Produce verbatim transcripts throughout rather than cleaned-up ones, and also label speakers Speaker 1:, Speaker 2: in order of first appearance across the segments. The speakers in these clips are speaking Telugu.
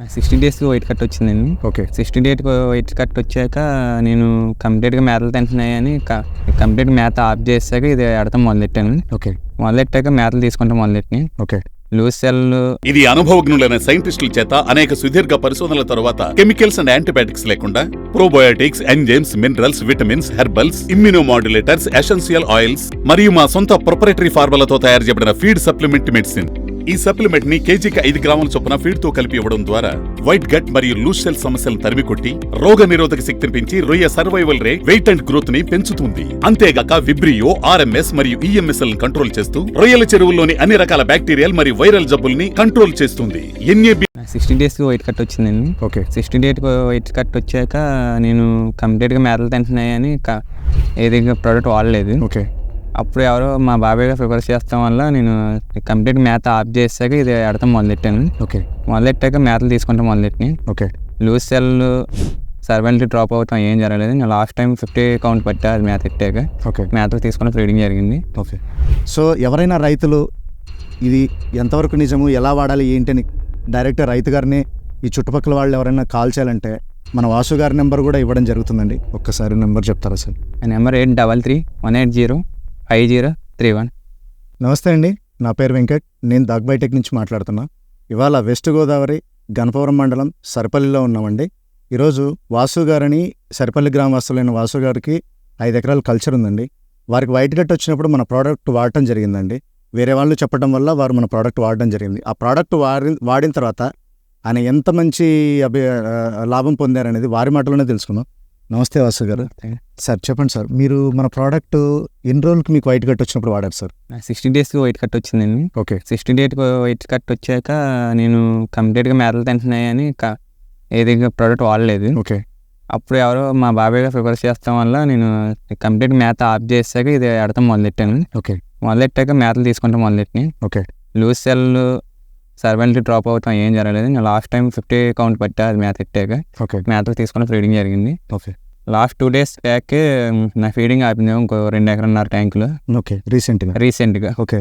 Speaker 1: సిక్స్టీ డేస్కి వైట్ కట్ వచ్చిందండి.
Speaker 2: Okay.
Speaker 1: Sixty date white cut వచ్చాక నేను కంప్లీట్గా మేతలు తింటున్నాయని కంప్లీట్ మేత ఆఫ్ చేసాక ఇది ఆడతాం మొదలెట్టాను.
Speaker 2: ఓకే.
Speaker 1: మొదలెట్టాక మేతలు తీసుకుంటాం మొదలెట్టి
Speaker 2: ఓకే.
Speaker 1: లూజ్ సెల్
Speaker 3: ఇది అనుభవజ్ఞులైన సైంటిస్టుల చేత అనేక సుదీర్ఘ పరిశోధనల తర్వాత కెమికల్స్ అండ్ యాంటీబయాటిక్స్ లేకుండా probiotics, enzymes, minerals, vitamins, herbals, immunomodulators, essential oils మరియు మా సొంత ప్రొపరేటరీ ఫార్ములాతో తయారు చేయబడిన ఫీడ్ సప్లిమెంట్ మెడిసిన్. ఈ సప్లిమెంట్ ని కేజీకి ఐదు గ్రాముల చొప్పున ఫీడ్ తో కలిపి ఇవ్వడం ద్వారా వైట్ గట్ మరియు లూజ్ సెల్ సమస్యలను తరిమికొట్టి రోగ నిరోధక శక్తిని పెంచి రొయ్య survival rate, weight and growth ని పెంచుతుంది. అంతేగాక విబ్రియో, ఆర్ఎంఎస్ మరియు ఈఎంఎస్ఎల్ కంట్రోల్ చేస్తూ రొయ్యల చెరువుల్లోని అన్ని రకాల బ్యాక్టీరియల్ మరియు వైరల్ జబ్బుల్ని కంట్రోల్ చేస్తుంది. ఎన్ఏబి
Speaker 1: సిక్స్టీ డేస్కి వైట్ కట్ వచ్చిందండి.
Speaker 2: Okay.
Speaker 1: Sixty date white cut వచ్చాక నేను కంప్లీట్గా మేతలు తింటున్నాయని ఏది ప్రోడక్ట్ వాడలేదు.
Speaker 2: ఓకే.
Speaker 1: అప్పుడు ఎవరో మా బాబాయ్గా ప్రిపేర్ చేస్తాం వల్ల నేను కంప్లీట్ మేత ఆఫ్ చేసాక ఇది ఆడతాం మొదలెట్టాను.
Speaker 2: ఓకే.
Speaker 1: మొదలెట్టాక మేతలు తీసుకుంటాం మొదలెట్టి
Speaker 2: ఓకే.
Speaker 1: లూజ్ సెల్ సర్వెంట్లీ డ్రాప్ అవుతాం ఏం జరగలేదు. నేను లాస్ట్ టైం ఫిఫ్టీ కౌంట్ పట్టా అది మేత ఎట్టాక.
Speaker 2: ఓకే.
Speaker 1: మేతలు తీసుకుని ఫీడింగ్ జరిగింది.
Speaker 2: ఓకే. సో ఎవరైనా రైతులు ఇది ఎంతవరకు నిజము, ఎలా వాడాలి ఏంటని డైరెక్ట్ రైతు గారిని ఈ చుట్టుపక్కల వాళ్ళు ఎవరైనా కాల్ చేయాలంటే మన వాసు గారి నెంబర్ కూడా ఇవ్వడం జరుగుతుందండి. ఒక్కసారి నెంబర్ చెప్తారా sir?
Speaker 1: Number eight double three one eight zero five zero three one.
Speaker 2: నమస్తే అండి, నా పేరు వెంకట్. నేను దాగ్బైటెక్ నుంచి మాట్లాడుతున్నా. ఇవాళ వెస్ట్ గోదావరి గణపవరం మండలం సరిపల్లిలో ఉన్నామండి. ఈరోజు వాసు గారని సరిపల్లి గ్రామవాసులైన వాసు గారికి ఐదు ఎకరాల కల్చర్ ఉందండి. వారికి వైట్ గట్ వచ్చినప్పుడు మన ప్రోడక్ట్ వాడటం జరిగిందండి. వేరే వాళ్ళు చెప్పడం వల్ల వారు మన ప్రోడక్ట్ వాడడం జరిగింది. ఆ ప్రోడక్ట్ వాడి వాడిన తర్వాత ఆయన ఎంత మంచి అభి లాభం పొందారనేది వారి మాటలోనే తెలుసుకుందాం. నమస్తే వాసు గారు. సార్ చెప్పండి సార్, మీరు మన ప్రోడక్ట్ ఎన్ని రోజులకి మీకు వైట్ కట్ వచ్చినప్పుడు వాడారు సార్?
Speaker 1: సిక్స్టీ డేస్కి వైట్ కట్ వచ్చిందండి.
Speaker 2: Okay.
Speaker 1: Sixty date white cut వచ్చాక నేను కంప్లీట్గా మేతలు తింటున్నాయని ఏది ప్రోడక్ట్ వాడలేదు.
Speaker 2: ఓకే.
Speaker 1: అప్పుడు ఎవరో మా బాబాయ్గా ప్రిపేర్ చేస్తాం వల్ల నేను కంప్లీట్ మేత ఆఫ్ చేసాక ఇది ఆడతాం మొదలెట్టాను.
Speaker 2: ఓకే.
Speaker 1: మొదలెట్టాక మేతలు తీసుకుంటాం మొదలెట్టి
Speaker 2: ఓకే.
Speaker 1: లూజ్ సెల్ సర్వెంట్లీ డ్రాప్ అవుతాం ఏం జరగలేదు. నేను లాస్ట్ టైం ఫిఫ్టీ కౌంట్ పట్టా అది మేత ఎట్టాక.
Speaker 2: ఓకే.
Speaker 1: మేతలు తీసుకుని ఫీడింగ్ జరిగింది.
Speaker 2: Okay.
Speaker 1: Last two days back నా ఫీడింగ్ ఆపింది ఇంకో రెండు ఎకరన్నర ట్యాంకులు.
Speaker 2: ఓకే. రీసెంట్గా
Speaker 1: రీసెంట్గా
Speaker 2: ఓకే.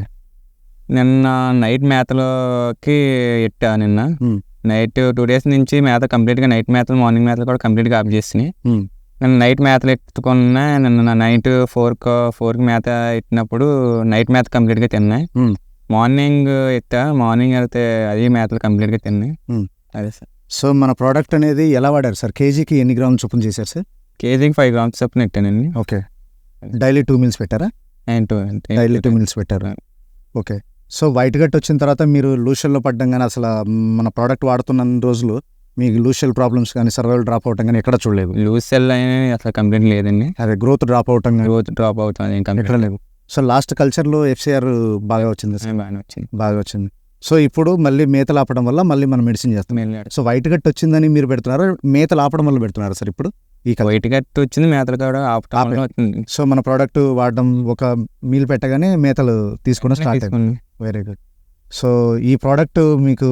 Speaker 1: నిన్న నైట్ మేతలోకి ఎట్టా. నిన్న నైట్ టూ డేస్ నుంచి మేత కంప్లీట్గా నైట్ మేతలు, మార్నింగ్ మేతలు కూడా కంప్లీట్గా ఆఫ్ చేసినాయి. నేను నైట్ మేతలు ఎత్తుకున్నా. నిన్న నైట్ ఫోర్కి ఫోర్కి మేత ఎత్తినప్పుడు నైట్ మేత కంప్లీట్గా తిన్నాయి. మార్నింగ్ ఎత్తా, మార్నింగ్ వెళ్తే అది మేతలు కంప్లీట్గా తిన్నాయి. అదే సార్.
Speaker 2: సో మన ప్రోడక్ట్ అనేది ఎలా వాడారు సార్? కేజీకి ఎన్ని గ్రాములు చొప్పున చేశారు సార్?
Speaker 1: కేజీకి ఫైవ్ గ్రామ్స్ చొప్పున ఎట్టానండి.
Speaker 2: ఓకే. డైలీ టూ మీల్స్ పెట్టారా?
Speaker 1: టూ
Speaker 2: డైలీ టూ మీల్స్ పెట్టారు. ఓకే. సో వైట్ గట్ వచ్చిన తర్వాత మీరు లూషల్లో పడ్డం కానీ అసలు మన ప్రోడక్ట్ వాడుతున్న రోజులు మీకు లూషల్ ప్రాబ్లమ్స్ కానీ సర్వైవల్ డ్రాప్ అవటం కానీ ఎక్కడ చూడలేదు?
Speaker 1: లూజ్ సెల్ అనేది అసలు కంప్లీట్ లేదండి.
Speaker 2: అదే గ్రోత్ డ్రాప్ అవటం కానీ
Speaker 1: గ్రోత్ డ్రాప్ అవుతుంది
Speaker 2: ఎక్కడ లేదు. సో లాస్ట్ కల్చర్లో ఎఫ్సిఆర్ బాగా వచ్చింది సార్?
Speaker 1: బాగా వచ్చింది
Speaker 2: బాగా వచ్చింది. సో ఇప్పుడు మళ్ళీ మేతలు ఆపడం వల్ల మళ్ళీ మనం మెడిసిన్ చేస్తాం. సో వైట్ గట్ వచ్చిందని మీరు పెడుతున్నారు, మేతలు ఆపడం వల్ల పెడుతున్నారు సార్ ఇప్పుడు? ఈ
Speaker 1: వైట్ గట్ వచ్చింది, మేతలు కూడా ఆపడం వచ్చింది.
Speaker 2: సో మన ప్రోడక్ట్ వాడడం ఒక మీల్ పెట్టగానే మేతలు తీసుకోవడం స్టార్ట్ అయింది. Very good. సో ఈ ప్రోడక్ట్ మీకు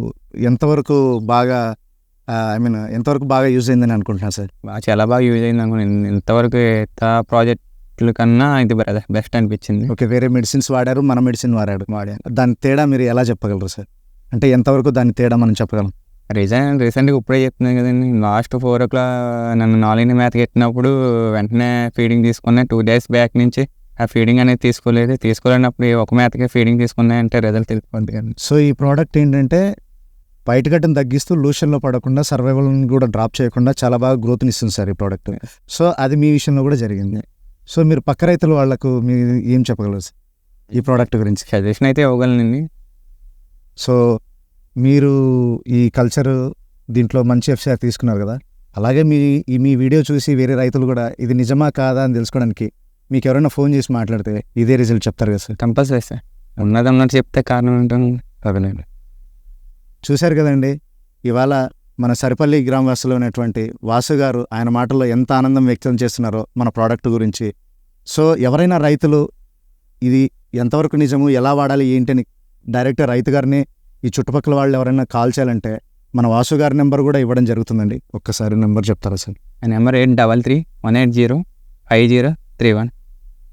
Speaker 2: ఎంతవరకు బాగా ఐ మీన్ ఎంతవరకు బాగా యూజ్ అయిందని అనుకుంటున్నాను సార్?
Speaker 1: బాగా చాలా బాగా యూజ్ అయింది అనుకున్నాను. ఇంతవరకు ఎంత ప్రాజెక్టుల కన్నా ఇది బెస్ట్ అనిపించింది.
Speaker 2: ఓకే. వేరే మెడిసిన్స్ వాడారు, మన మెడిసిన్ వాడాడు వాడారు దాని తేడా మీరు ఎలా చెప్పగలరు సార్? అంటే ఎంతవరకు దాని తేడా మనం చెప్పగలం?
Speaker 1: రీసెంట్ రీసెంట్గా ఇప్పుడే చెప్తున్నాను కదండి. లాస్ట్ ఫోర్ ఓ క్లాక్ నన్ను నాలుగు మేత ఎట్టినప్పుడు వెంటనే ఫీడింగ్ తీసుకున్నాయి. టూ డేస్ బ్యాక్ నుంచి ఆ ఫీడింగ్ అనేది తీసుకోలేదు. తీసుకోలేనప్పుడు ఒక మేతకే ఫీడింగ్ తీసుకున్నాయంటే రిజల్ట్ తెలిసిపోద్ది కదా.
Speaker 2: సో ఈ ప్రోడక్ట్ ఏంటంటే వైట్ గట్ని తగ్గిస్తూ లూషన్లో పడకుండా సర్వైవల్ని కూడా డ్రాప్ చేయకుండా చాలా బాగా గ్రోత్ని ఇస్తుంది సార్ ఈ ప్రోడక్ట్. సో అది మీ విషయంలో కూడా జరిగింది. సో మీరు పక్క రైతుల వాళ్ళకు మీరు ఏం చెప్పగలరు సార్ ఈ ప్రోడక్ట్ గురించి?
Speaker 1: సజెషన్ అయితే ఇవ్వగలనండి.
Speaker 2: సో మీరు ఈ కల్చర్ దీంట్లో మంచి ఎఫ్సిఆర్ తీసుకున్నారు కదా, అలాగే మీ ఈ మీ వీడియో చూసి వేరే రైతులు కూడా ఇది నిజమా కాదా అని తెలుసుకోవడానికి మీకు ఎవరైనా ఫోన్ చేసి మాట్లాడితే ఇదే రిజల్ట్ చెప్తారు కదా సార్?
Speaker 1: Compulsory sir. ఉన్నది ఉన్నట్టు చెప్తే కారణం ఉంటాను.
Speaker 2: అదేనండి. చూశారు కదండి, ఇవాళ మన సరిపల్లి గ్రామవాసులో ఉన్నటువంటి వాసు గారు ఆయన మాటల్లో ఎంత ఆనందం వ్యక్తం చేస్తున్నారో మన ప్రోడక్ట్ గురించి. సో ఎవరైనా రైతులు ఇది ఎంతవరకు నిజము, ఎలా వాడాలి ఏంటని డైరెక్ట్ రైతు గారిని ఈ చుట్టుపక్కల వాళ్ళు ఎవరైనా కాల్ చేయాలంటే మన వాసు గారి నెంబర్ కూడా ఇవ్వడం జరుగుతుందండి. ఒక్కసారి నెంబర్ చెప్తారా sir?
Speaker 1: Number eight double three one eight zero five zero three one.